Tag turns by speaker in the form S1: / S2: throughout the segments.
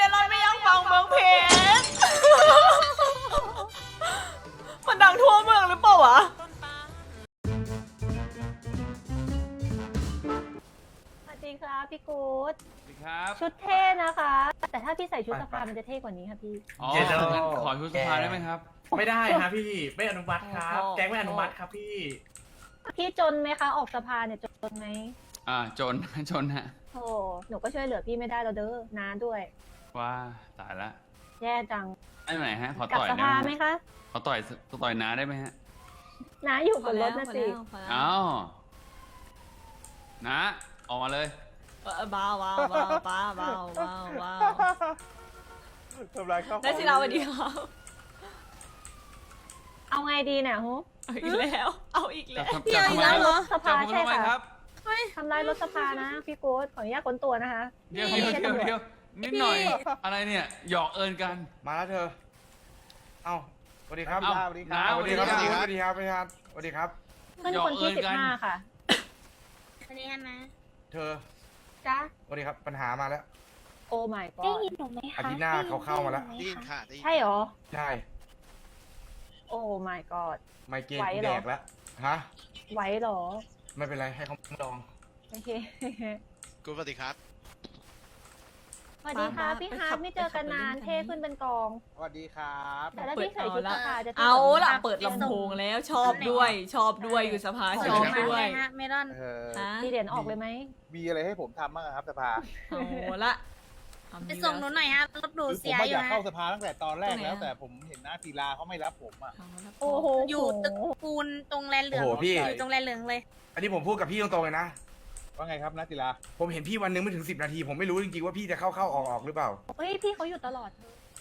S1: ลอนไม่ยังฟังเมืองเพชรมันดังทั่วเมืองหรือเปล่าวะสวัสดีครับพี่กู๊ด
S2: สวัสดีครับ
S1: ชุดเท่นะคะแต่ถ้าพี่ใส่ชุดสภามันจะเท่กว่านี้ค่ะพี่
S2: อ๋องั้นขอชุดสภาได้ไหมครับ
S3: ไม่ได้ครับพี่ไม่อนุมัติครับแก๊งไม่อนุมัติครับพี่
S1: จนไหมคะออกสภาเนี่ยจนไหม
S2: จนฮะ
S1: โอ้หนูก็ช่วยเหลือพี่ไม่ได้เราเด้อน้าด้วย
S2: ว้าตายละ
S1: แย่จัง
S2: ได้ไหนฮะขอ
S1: ต่อย
S2: ได้
S1: ไหมคะ
S2: ขอต่อยน้าได้ไหมฮะ
S1: น้าอยู่บนรถนะสิ
S2: อ้าวน้าออกมาเลย
S1: บ้า
S3: ทำไรครับ
S1: ได้สิเราวันเดียวเอาไงดีเนี่ยฮูเอาอีกแล้ว
S2: จะทำไม
S1: รถสภาใช่
S2: ค่ะ
S1: ครับทำลายรถสภานะพี่โก้ขออนุญาตค้นตัวนะคะ
S2: เดี๋ยวนิดหน่อยอะไรเนี่ยหยอกเอิญกัน
S3: มาแล้วเธอเอ้าสวัสดีครับ
S2: สวัสดีครับ
S3: สวัสดีครับ
S1: เพื่อนคนที่15ค่ะ
S4: สวัสดีนะ
S3: เธอ
S1: จ้า
S3: สวัสดีครับปัญหามาแล้ว
S1: โอ้ my god
S4: ได้ยินหนูไหมคะ
S3: อาทิตย์หน้าเขาเข้ามาแล้ว
S4: ได้ยินค่ะ
S1: ใช่หรอ
S3: ใช่
S1: โอ้ my god
S3: ไมเกรนแดกแล้วฮะ
S1: ไหวหรอ
S3: ไม่เป็นไรให้เขาลอง
S1: โอเค
S5: กูสวัสดีครับ
S1: สวัสดีค่ะพี่ฮาร์ดไม่เจอกันนานเท่ขึ้นเป็นกอง
S3: สวัสดีครับ
S1: แต่ถ้าพี่ใส่ชุดสภาจะ
S6: เอาล่ะเปิดลำโพงแล้วชอบด้วยอยู่สภาชอบด้วย
S4: เมลอน
S1: มีเหรียญออกเลยไหม
S3: มีอะไรให้ผมทำบ้างครับสภา
S6: เอาละ
S4: ไปส่งหนูหน่อยฮะรถดูเสียอยู่
S3: นะผมอยากเข้าสภาตั้งแต่ตอนแรกแล้วแต่ผมเห็นหน้าศิลาเขาไม่รับผมอ่ะ
S1: โอ้โห
S4: อยู่ตึกปูนตรงแลนเหลืองอยู่ตรงแลนเหลืองเลย
S3: อันนี้ผมพูดกับพี่ตรงๆเลยนะว่าไงครับนัทศิลาผมเห็นพี่วันนึงไม่ถึง10 นาทีผมไม่รู้จริงๆว่าพี่จะเข้าออกหรือเปล่า
S1: เฮ้ยพี่เขาอยู่ตลอด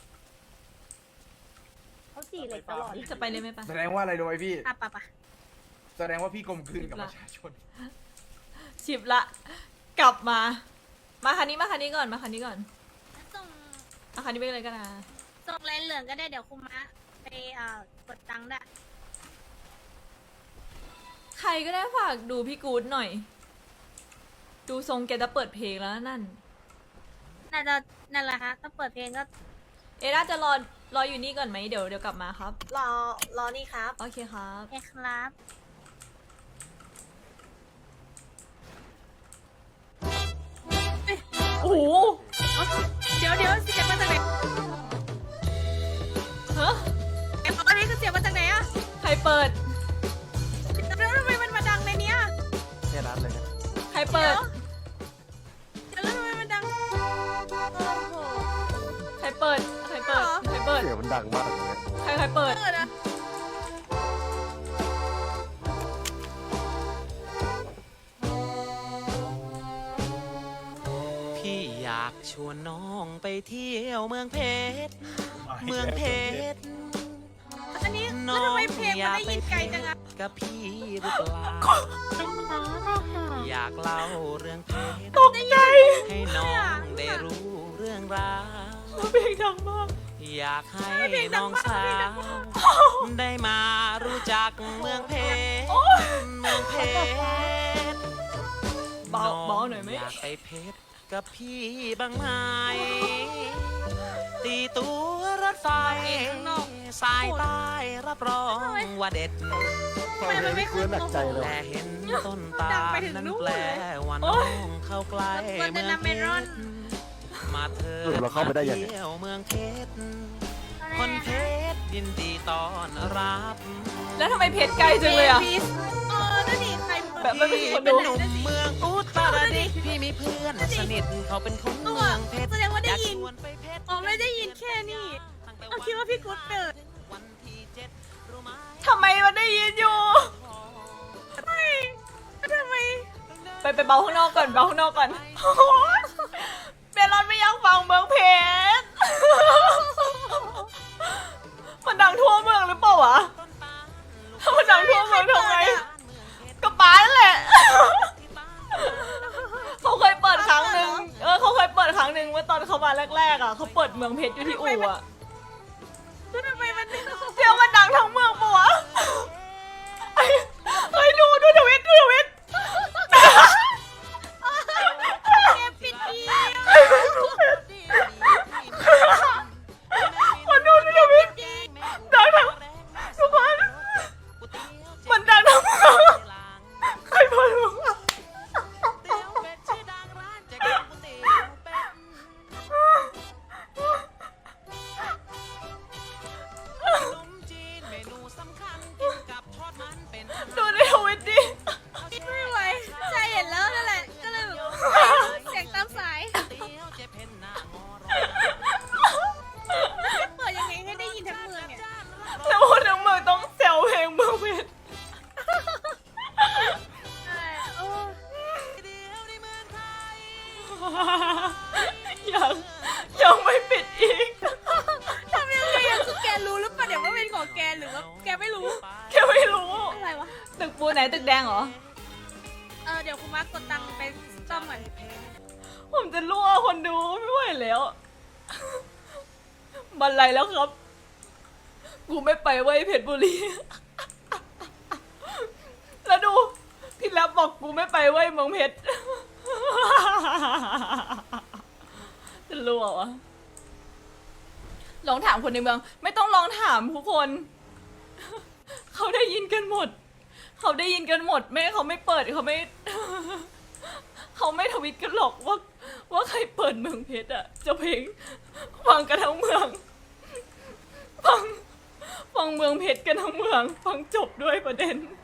S1: เขาจีเหล็กตลอด
S6: จะไปเลยไหมปะ
S3: แสดงว่าอะไรรู้ไหมพี่
S4: ปะ
S3: แสดงว่าพี่กลมกลืนกับประชาชน
S6: ชิบละกลับมาคันนี้ก่อนคันนี้ไปเลยกันนะ
S4: ส่งแลนเหลืองก็ได้เดี๋ยวคุมะไปกดตังค์ได้
S6: ใครก็ได้ฝากดูพี่กู๊ดหน่อยดูทรงแกจะเปิดเพลงแล้วนั่น
S4: น่าจะนั่นแหละคะถ้าเปิดเพลงก็
S6: น่าจะรออยู่นี่ก่อนไหมเดี๋ยวกลับมาครับ
S1: รอนี่ครับ
S6: โอเคครับ
S4: โอเคครับ
S6: โอ้โห
S4: เดี๋ยวเสียงมาจากไหน
S6: ฮะ
S4: อันนี้คือเสียงมาจากไหนอะ
S6: ใครเปิด
S4: แล้วทำไมมันมาดังในเนี้ย
S3: แค่นั้นเลย
S6: ใครเปิด
S4: แล้วทำไมมันดัง
S6: ใครเปิดเสี
S3: ยงมันดังมากเลย
S6: ใครเปิด
S7: พี่อยากชวนน้องไปเที่ยวเมืองเพชร
S4: อันนี้แล้วทำไมเพลงมันได้ยินไกลจังอะ
S7: กับพี่หรือเปล่าอยากเล่าเรื่องเพชร
S6: ตกใจ
S7: ให้น้องได้รู้เรื่องราว
S6: เพลงดังมาก
S7: อยากให้น้องสาวได้มารู้จักเมืองเพชร
S6: เบาหน่อยไหม
S7: อยากไปเพชรกับพี่บ้างไหมตีตัวรถไฟสายใต้รับรองว่าเด็ดแต่เห็นต้นตาลนั้นแปลว่าน้องเข้าใกล้เมืองเพชรมาเธอเราเข้าไปได้ยังไงเที่ยวเมืองเพชรคนเพชรยินดีต้อนรับ
S6: แล้วทำไมเพชรไกลจังเลยอ่ะ
S4: นั่นนี่ใคร
S6: แบบไม่มีคนดู
S7: หนุ่มเมืองอุตรดิตถ์พี่มีเพื่อนสนิทเขาเป็นคนเมืองเพชร
S4: แสดงว่าได้ยินไม่ได้ยินแค่นี้เอาคิดว่าพี่กุ๊ดเกิด
S6: ทำไมมันได้ยินอยู่
S4: ทำไม
S6: ไปเบาข้างนอกก่อนเมลอนไม่ยังฟังเมืองเพชรมันดังทั่วเมืองหรือเปล่าวะมันดังทั่วเมืองทำไมก็ป้านั่นแหละเขาเคยเปิดครั้งหนึ่งเมื่อตอนเขามาแรกๆอ่ะเขาเปิดเมืองเพชรอยู่ที่อู่อ่ะ
S4: ทำไมมัน
S6: เสียงมันดังทั้งเมืองปะวะเฮ้ยดูทวิต
S4: ปิดอี
S6: ตึกแดงเหรอ
S4: เดี๋ยวคุณมากดตังค์ไปซ่อมก่อน
S6: ผมจะรั่วคนดูไม่ไหวแล้ว บันไลแล้วครับ กูไม่ไปไว้ยเพชรบุรี แล้วดูพี่แรปบอกกูไม่ไปไว้ยเมืองเพชร จะรั่ววะลองถามคนในเมือง ไม่ต้องลองถามทุกคน เขาได้ยินกันหมด เขาได้ยินกันหมดไม่เขาไม่เปิดเขาไม่ เขาไม่ทวิตกันหรอกว่าใครเปิดเมืองเพชรอะจะเพลงฟังกันทั้งเมืองฟังเมืองเพชรกันทั้งเมืองฟังจบด้วยประเด็น